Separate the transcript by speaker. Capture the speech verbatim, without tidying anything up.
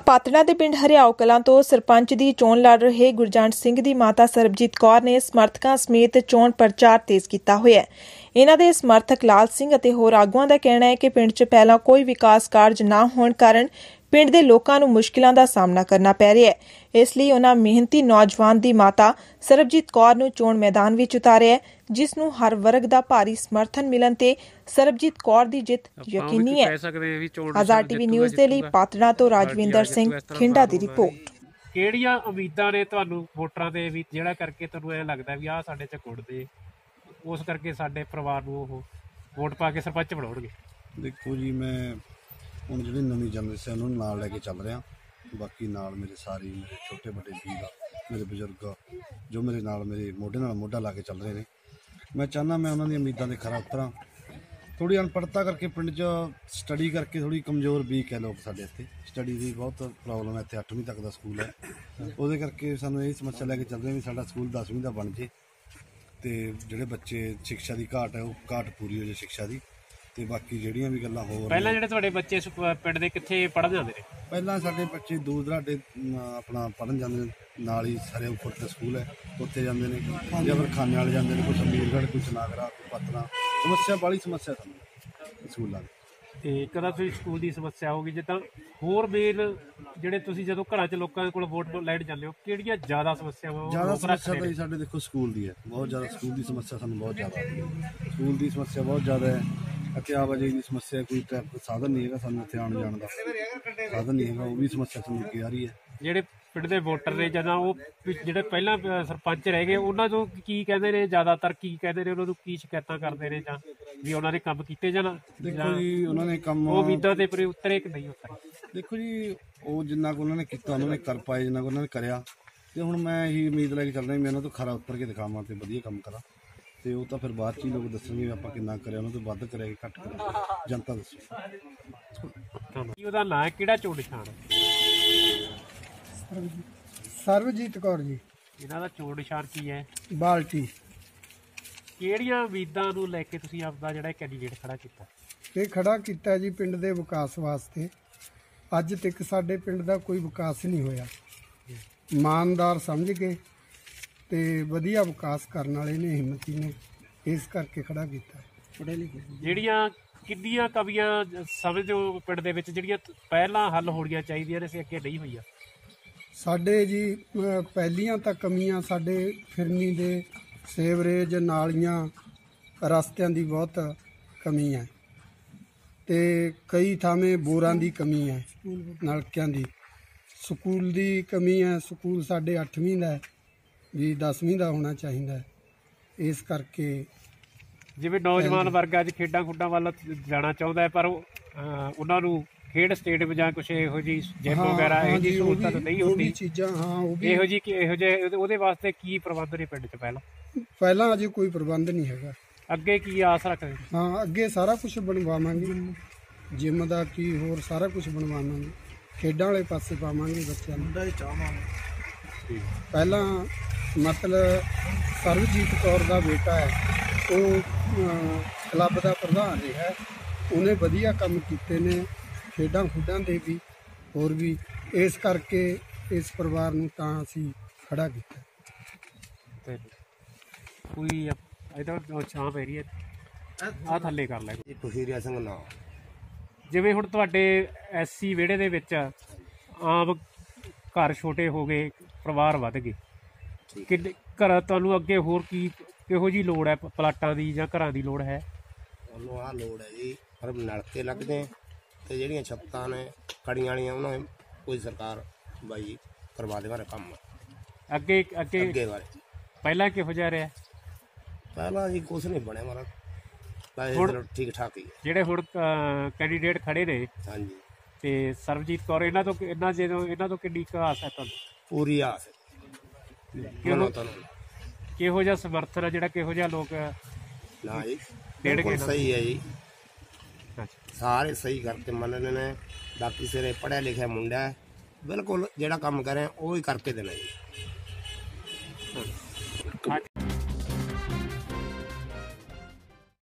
Speaker 1: पातड़ा के पिंड हरियाओ कलां तो सरपंच की चोण लड़ रहे गुरजंट सिंह की माता सरबजीत कौर ने समर्थकों समेत चोण प्रचार तेज किया हुआ है। इन्हां दे समर्थक लाल सिंह अते होर आगुआं का कहना है कि पिंड च पहला कोई विकास कार्य न होने कारण पिंड के लोगों को मुश्किलों का सामना करना पै रहा है। इसलिए उन्होंने मेहनती नौजवान की माता सरबजीत कौर नूं चोण मैदान में उतारिया है, जिस नूं हर वर्ग का भारी समर्थन मिलन ते सरबजीत कौर की जित यकीनी है। आजाद टीवी न्यूज़ के लिए पातड़ा तो राजविंदर सिंह खिंडा की रिपोर्ट।
Speaker 2: ਕਿਹੜੀਆਂ ਉਮੀਦਾਂ ਨੇ ਤੁਹਾਨੂੰ ਵੋਟਰਾਂ ਦੇ ਵੀ ਜਿਹੜਾ ਕਰਕੇ ਤੁਹਾਨੂੰ ਐ ਲੱਗਦਾ ਵੀ ਆਹ ਸਾਡੇ ਚ ਗੁੜ ਦੇ ਉਸ ਕਰਕੇ ਸਾਡੇ ਪਰਿਵਾਰ ਨੂੰ ਉਹ ਵੋਟ ਪਾ ਕੇ ਸਰਪੰਚ ਬਣਾਉਣਗੇ?
Speaker 3: ਦੇਖੋ ਜੀ, ਮੈਂ ਹੁਣ ਜਿਹੜੀ ਨਵੀਂ ਜਨਰੇਸ਼ਨ ਉਹਨੂੰ ਨਾਲ ਲੈ ਕੇ ਚੱਲ ਰਿਹਾ। ਬਾਕੀ ਨਾਲ ਮੇਰੇ ਸਾਰੇ ਮੇਰੇ ਛੋਟੇ ਵੱਡੇ ਵੀਰ ਮੇਰੇ ਬਜ਼ੁਰਗ ਜੋ ਮੇਰੇ ਨਾਲ ਮੇਰੇ ਮੋਢੇ ਨਾਲ ਮੋਢਾ ਲਾ ਕੇ ਚੱਲ ਰਹੇ ਨੇ। ਮੈਂ ਚਾਹੁੰਦਾ ਮੈਂ ਉਹਨਾਂ ਦੀਆਂ ਉਮੀਦਾਂ ਦੇ ਖਰਾ ਉਤਰਾਂ। थोड़ी अनपढ़ता करके पिंड च स्टडी करके थोड़ी कमज़ोर वीक है लोग साढ़े इतने स्टडी की बहुत प्रॉब्लम है। इतने अठवीं तक का स्कूल है, वो करके सानू यही समस्या लैके चल रहे भी साडा स्कूल दसवीं का बन जे तो जोड़े बच्चे शिक्षा की घाट है वो घाट पूरी हो जाए शिक्षा की। तो बाकी ਜਿਹੜੀਆਂ भी गल्लां हो
Speaker 2: ਪਹਿਲਾਂ ਜਿਹੜੇ ਤੁਹਾਡੇ ਬੱਚੇ ਪਿੰਡ ਦੇ ਕਿੱਥੇ ਪੜ੍ਹਨ ਜਾਂਦੇ ਨੇ?
Speaker 3: ਪਹਿਲਾਂ ਸਾਡੇ ਬੱਚੇ ਦੂਰ ਦਰਾਡੇ ਆਪਣਾ ਪੜ੍ਹਨ ਜਾਂਦੇ ਨੇ, ਨਾਲ ਹੀ ਸਾਰੇ ਉੱਪਰ ਤੇ ਸਕੂਲ ਹੈ ਉੱਥੇ ਜਾਂਦੇ ਨੇ, ਜਾਂ ਫਿਰ ਖਾਨੇ ਵਾਲੇ ਜਾਂਦੇ ਨੇ, ਕੋਈ ਅਮੀਰਗੜ੍ਹ, ਕੋਈ ਚਨਾਗਰਾ, ਕੋਈ ਪਤਨਾ। ਸਮੱਸਿਆ ਬਾਹਲੀ ਸਮੱਸਿਆ ਸਾਨੂੰ ਸਕੂਲਾਂ ਦੀ। ਤੇ
Speaker 2: ਕਦਾ ਤੁਸੀਂ ਸਕੂਲ ਦੀ ਸਮੱਸਿਆ ਹੋਗੀ ਜਿੱਦਾਂ ਹੋਰ ਮੇਨ ਜਿਹੜੇ ਤੁਸੀਂ ਜਦੋਂ ਘਰਾਂ 'ਚ ਲੋਕਾਂ ਕੋਲ ਵੋਟ ਲੈਣ ਜਾਂਦੇ ਹੋ ਕਿਹੜੀਆਂ ਜ਼ਿਆਦਾ ਸਮੱਸਿਆਵਾਂ?
Speaker 3: ਜ਼ਿਆਦਾ ਸਮੱਸਿਆ ਤਾਂ ਸਾਡੇ ਦੇਖੋ ਸਕੂਲ ਦੀ ਹੈ, ਬਹੁਤ ਜ਼ਿਆਦਾ ਸਕੂਲ ਦੀ ਸਮੱਸਿਆ ਸਾਨੂੰ ਬਹੁਤ ਜ਼ਿਆਦਾ ਸਕੂਲ ਦੀ ਸਮੱਸਿਆ ਬਹੁਤ ਜ਼ਿਆਦਾ ਹੈ। ਅਤੇ ਆਵਾਜਾਈ ਦੀ ਸਮੱਸਿਆ, ਕੋਈ ਟ੍ਰੈਫਿਕ ਸਾਧਨ ਨਹੀਂ ਹੈਗਾ ਸਾਨੂੰ ਇੱਥੇ ਆਉਣ ਜਾਣ ਦਾ ਸਾਧਨ ਨਹੀਂ ਹੈਗਾ, ਉਹ ਵੀ ਸਮੱਸਿਆ ਸਾਨੂੰ ਅੱਗੇ ਆ ਰਹੀ ਹੈ। ਜਿਹੜੇ ਪਿੰਡ ਦੇ ਵੋਟਰ ਨੇ ਜਦੋਂ ਉਹ ਜਿਹੜੇ ਪਹਿਲਾਂ ਸਰਪੰਚ ਰਹਿ ਗਏ ਉਹਨਾਂ ਨੂੰ ਕੀ ਕਹਿੰਦੇ ਨੇ, ਜ਼ਿਆਦਾਤਰ ਕੀ ਕਹਿੰਦੇ ਨੇ, ਉਹਨਾਂ ਨੂੰ ਕੀ ਸ਼ਿਕਾਇਤਾਂ ਕਰਦੇ ਨੇ ਜਾਂ ਵੀ ਉਹਨਾਂ ਨੇ ਕੰਮ ਕੀਤੇ ਜਾਂ? ਦੇਖੋ ਜੀ, ਉਹਨਾਂ ਨੇ ਕੰਮ
Speaker 2: ਉਹ ਉਮੀਦਾਂ ਦੇ ਪੂਰੇ ਉਤਰੇ ਕਿ ਨਹੀਂ ਉਤਰੇ?
Speaker 3: ਦੇਖੋ ਜੀ, ਉਹ ਜਿੰਨਾ ਕੁ ਉਹਨਾਂ ਨੇ ਕੀਤਾ ਉਹਨਾਂ ਨੇ ਕਰ ਪਾਏ, ਜਿੰਨਾ ਕੁ ਉਹਨਾਂ ਨੇ ਕਰਿਆ। ਤੇ ਹੁਣ ਮੈਂ ਇਹੀ ਉਮੀਦ ਲੈ ਕੇ ਚੱਲਦਾ ਵੀ ਮੈਂ ਉਹਨਾਂ ਤੋਂ ਖਰਾ ਉੱਤਰ ਕੇ ਦਿਖਾਵਾਂ ਤੇ ਵਧੀਆ ਕੰਮ ਕਰਾਂ। ਤੇ ਉਹ ਤਾਂ ਫਿਰ ਬਾਅਦ 'ਚ ਹੀ ਲੋਕ ਦੱਸਣਗੇ ਵੀ ਆਪਾਂ ਕਿੰਨਾ ਕਰਿਆ, ਉਹਨਾਂ ਤੋਂ ਵੱਧ ਕਰਿਆ ਕਿ ਘੱਟ ਕਰਿਆ, ਜਨਤਾ ਦੱਸੋ।
Speaker 2: ਉਹਦਾ ਨਾਂ ਕਿਹੜਾ ਚੋਣ ਨਿਸ਼ਾਨ?
Speaker 4: ਸਰਬਜੀਤ ਕੌਰ ਜੀ।
Speaker 2: ਇਹਨਾਂ ਦਾ ਚੋਣ ਨਿਸ਼ਾਨ ਕੀ ਹੈ?
Speaker 4: ਬਾਲਟੀ।
Speaker 2: ਕਿਹੜੀਆਂ ਉਮੀਦਾਂ ਨੂੰ ਲੈ ਕੇ ਤੁਸੀਂ ਆਪਦਾ ਜਿਹੜਾ ਕੈਂਡੀਡੇਟ ਖੜਾ ਕੀਤਾ?
Speaker 4: ਇਹ ਖੜਾ ਕੀਤਾ ਜੀ ਪਿੰਡ ਦੇ ਵਿਕਾਸ ਵਾਸਤੇ। ਅੱਜ ਤੱਕ ਸਾਡੇ ਪਿੰਡ ਦਾ ਕੋਈ ਵਿਕਾਸ ਨਹੀਂ ਹੋਇਆ। ਇਮਾਨਦਾਰ ਸਮਝ ਕੇ ਤੇ ਵਧੀਆ ਵਿਕਾਸ ਕਰਨ ਵਾਲੇ ਨੇ, ਹਿੰਮਤੀ ਨੇ, ਇਸ ਕਰਕੇ ਖੜਾ ਕੀਤਾ। ਪੜ੍ਹੇ ਲਿਖੇ
Speaker 2: ਜਿਹੜੀਆਂ ਕਿੰਨੀਆਂ ਕਮੀਆਂ ਸਮਝੋ ਪਿੰਡ ਦੇ ਵਿੱਚ ਜਿਹੜੀਆਂ ਪਹਿਲਾਂ ਹੱਲ ਹੋਣੀਆਂ ਚਾਹੀਦੀਆਂ ਨੇ ਸੀ ਅੱਗੇ ਨਹੀਂ ਹੋਈਆਂ?
Speaker 4: ਸਾਡੇ ਜੀ ਪਹਿਲੀਆਂ ਤਾਂ ਕਮੀਆਂ ਸਾਡੇ ਫਿਰਨੀ ਦੇ ਸੀਵਰੇਜ, ਨਾਲੀਆਂ, ਰਸਤਿਆਂ ਦੀ ਬਹੁਤ ਕਮੀ ਹੈ ਤੇ ਕਈ ਥਾਵੇਂ ਬੋਰਾਂ ਦੀ ਕਮੀ ਹੈ, ਨਲਕਿਆਂ ਦੀ। ਸਕੂਲ ਦੀ ਕਮੀ ਹੈ, ਸਕੂਲ ਸਾਡੇ ਅੱਠਵੀਂ ਦਾ ਵੀ ਦਸਵੀਂ ਦਾ ਹੋਣਾ ਚਾਹੀਦਾ ਹੈ। ਇਸ ਕਰਕੇ
Speaker 2: ਜਿਵੇਂ ਨੌਜਵਾਨ ਵਰਗ ਅੱਜ ਖੇਡਾਂ ਖੁੱਡਾਂ ਵੱਲ ਜਾਣਾ ਚਾਹੁੰਦਾ ਹੈ ਪਰ ਉਹਨਾਂ ਨੂੰ ਖੇਡ ਸਟੇਡੀਅਮ ਜਾਂ ਕੁਛ ਇਹੋ ਜਿਹੀ ਜਿਮ ਵਗੈਰਾ ਇਹੋ ਜਿਹੀ ਸਹੂਲਤਾਂ ਨਹੀਂ ਹੁੰਦੀ
Speaker 4: ਚੀਜ਼ਾਂ। ਹਾਂ, ਉਹ ਵੀ
Speaker 2: ਇਹੋ ਜਿਹੀ ਇਹੋ ਜਿਹੇ ਉਹਦੇ ਵਾਸਤੇ ਕੀ ਪ੍ਰਬੰਧ ਨੇ ਪਿੰਡ 'ਚ? ਪਹਿਲਾਂ
Speaker 4: ਪਹਿਲਾਂ ਅਜੇ ਕੋਈ ਪ੍ਰਬੰਧ ਨਹੀਂ ਹੈਗਾ।
Speaker 2: ਅੱਗੇ ਕੀ ਆਸ ਰੱਖਦੇ?
Speaker 4: ਹਾਂ, ਅੱਗੇ ਸਾਰਾ ਕੁਝ ਬਣਵਾਵਾਂਗੇ, ਜਿਮ ਦਾ ਕੀ ਹੋਰ ਸਾਰਾ ਕੁਝ ਬਣਵਾਵਾਂਗੇ, ਖੇਡਾਂ ਵਾਲੇ ਪਾਸੇ ਪਾਵਾਂਗੇ ਬੱਚਿਆਂ ਨੂੰ। ਪਹਿਲਾਂ ਮਤਲਬ ਸਰਬਜੀਤ ਕੌਰ ਦਾ ਬੇਟਾ ਹੈ, ਉਹ ਕਲੱਬ ਦਾ ਪ੍ਰਧਾਨ ਰਿਹਾ, ਉਹਨੇ ਵਧੀਆ ਕੰਮ ਕੀਤੇ ਨੇ ਖੇਡਾਂ ਖੁੱਡਾਂ ਦੇ ਵੀ ਹੋਰ ਵੀ। ਇਸ ਕਰਕੇ ਇਸ ਪਰਿਵਾਰ ਨੂੰ ਤਾਂ ਅਸੀਂ ਖੜਾ ਕੀਤਾ।
Speaker 2: ਤੇ ਕੋਈ ਇਹਦਾ ਛਾਂ ਪੈ ਰਹੀ ਹੈ, ਆਹ ਥੱਲੇ ਕਰ ਲੈ।
Speaker 5: ਖੁਸ਼ੀਰਿਆ ਸਿੰਘ ਨਾ
Speaker 2: ਜਿਵੇਂ ਹੁਣ ਤੁਹਾਡੇ ਐਸਸੀ ਵਿਹੜੇ ਦੇ ਵਿੱਚ ਆਮ ਘਰ ਛੋਟੇ ਹੋ ਗਏ, ਪਰਿਵਾਰ ਵੱਧ ਗਏ, ਕਿੰਨੇ ਘਰ ਤੁਹਾਨੂੰ ਅੱਗੇ ਹੋਰ ਕੀ ਕਿਹੋ ਜਿਹੀ ਲੋੜ ਹੈ? ਪਲਾਟਾਂ ਦੀ ਜਾਂ ਘਰਾਂ ਦੀ ਲੋੜ ਹੈ?
Speaker 5: ਉਹਨੂੰ ਆਹ ਲੋੜ ਹੈ ਜੀ, ਪਰ ਨਲਕੇ ਲੱਗਦੇ ਤੇ ਜਿਹੜੀਆਂ ਛੱਤਾਂ ਨੇ ਕੜੀਆਂ ਵਾਲੀਆਂ ਉਹਨਾਂ ਕੋਈ ਸਰਕਾਰ ਬਾਈ ਕਰਵਾ ਦੇਵਾਂ ਕੰਮ
Speaker 2: ਅੱਗੇ ਅੱਗੇ
Speaker 5: ਅੱਗੇ ਬਾਰੇ।
Speaker 2: ਪਹਿਲਾਂ ਕਿਹੋ ਜਿਹਾ ਰਿਹਾ?
Speaker 5: ਪਹਿਲਾਂ ਜੀ ਕੁਛ ਨਹੀਂ ਬਣਿਆ ਮਾਰਾ, ਹੁਣ ਠੀਕ ਠਾਕ ਹੀ ਹੈ। ਜਿਹੜੇ
Speaker 2: ਹੁਣ ਕੈਂਡੀਡੇਟ ਖੜੇ ਨੇ,
Speaker 5: ਹਾਂਜੀ,
Speaker 2: ਤੇ ਸਰਬਜੀਤ ਕੌਰ, ਇਹਨਾਂ ਤੋਂ ਇਹਨਾਂ ਜਦੋਂ ਇਹਨਾਂ ਤੋਂ ਕਿੰਨੀ ਕੁ ਆਸ ਹੈ ਤੁਹਾਨੂੰ?
Speaker 5: ਪੂਰੀ ਆਸ ਹੈ।
Speaker 2: ਕਿਹੋ ਜਿਹਾ ਸਮਰਥਨ ਹੈ ਜਿਹੜਾ ਕਿਹੋ ਜਿਹਾ ਲੋਕ
Speaker 5: ਨਾ ਜੀ
Speaker 2: ਬਿਲਕੁਲ
Speaker 5: ਸਹੀ ਹੈ ਜੀ, ਸਾਰੇ ਸਹੀ ਕਰਕੇ ਮੰਨਣੇ ਨੇ। ਬਾਕੀ ਸਿਰੇ ਪੜ੍ਹਿਆ ਲਿਖਿਆ ਮੁੰਡਾ ਹੈ, ਬਿਲਕੁਲ ਜਿਹੜਾ ਕੰਮ ਕਰੇ ਉਹ ਹੀ ਕਰਕੇ ਦੇਣਾ ਜੀ।